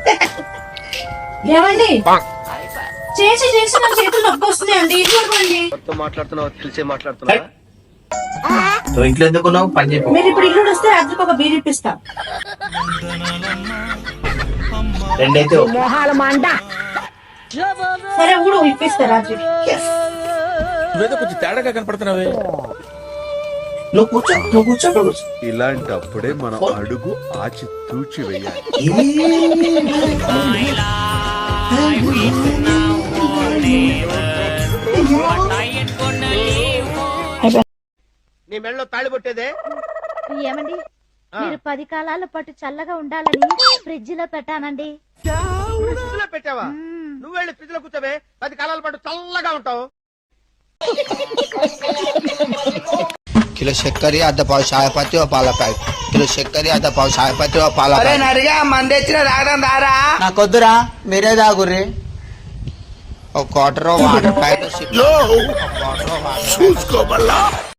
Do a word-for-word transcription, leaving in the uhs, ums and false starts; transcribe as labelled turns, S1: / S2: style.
S1: ఏమండి చేసి చేసి నా చేతులు నొప్పి వస్తున్నాయండి ఇది చూడండి.
S2: మాట్లాడుతున్నావు తెలిసే మాట్లాడుతున్నావు.
S3: ఇంట్లో ఎందుకున్నావు పని చెప్పు.
S1: మీరు ఇప్పుడు ఇల్లు వస్తే రాత్రికి ఒక బీర్ ఇప్పిస్తా.
S3: రెండైతే
S1: సరే ఊడు ఇప్పిస్తా రాత్రి.
S4: నువ్వేదో కొంచెం తేడాగా కనపడుతున్నావే.
S3: నువ్వు కూర్చో నువ్వు కూర్చో కూర్చో.
S5: ఇలాంటప్పుడే మనం అడుగు ఆచి తూచి వేయాలి.
S2: నీ మెడలో తాళి పట్టేదే.
S6: ఏమండి మీరు పది కాలాల పాటు చల్లగా ఉండాలని ఫ్రిడ్జ్ లో పెట్టానండి.
S2: ఫ్రిడ్జ్ లో పెట్టావా? నువ్వు వెళ్ళి ఫ్రిడ్జ్ లో కూర్చోవే, పది కాలాల పాటు చల్లగా ఉంటావు.
S7: కిలో చక్కెర అర్ధ పావు చాయపత్తి ఓ పాల ప్యాకెట్. కిలో చక్కెర అర్ధ పావు చాయపత్తి ఓ పాల ప్యాకెట్.
S3: నరిగా మంది తెచ్చిన తాగడం దారా.
S7: నాకొద్దురా మీరే తాగుర్రి. ఒక క్వార్టర్ వాటర్ ప్యాకెట్.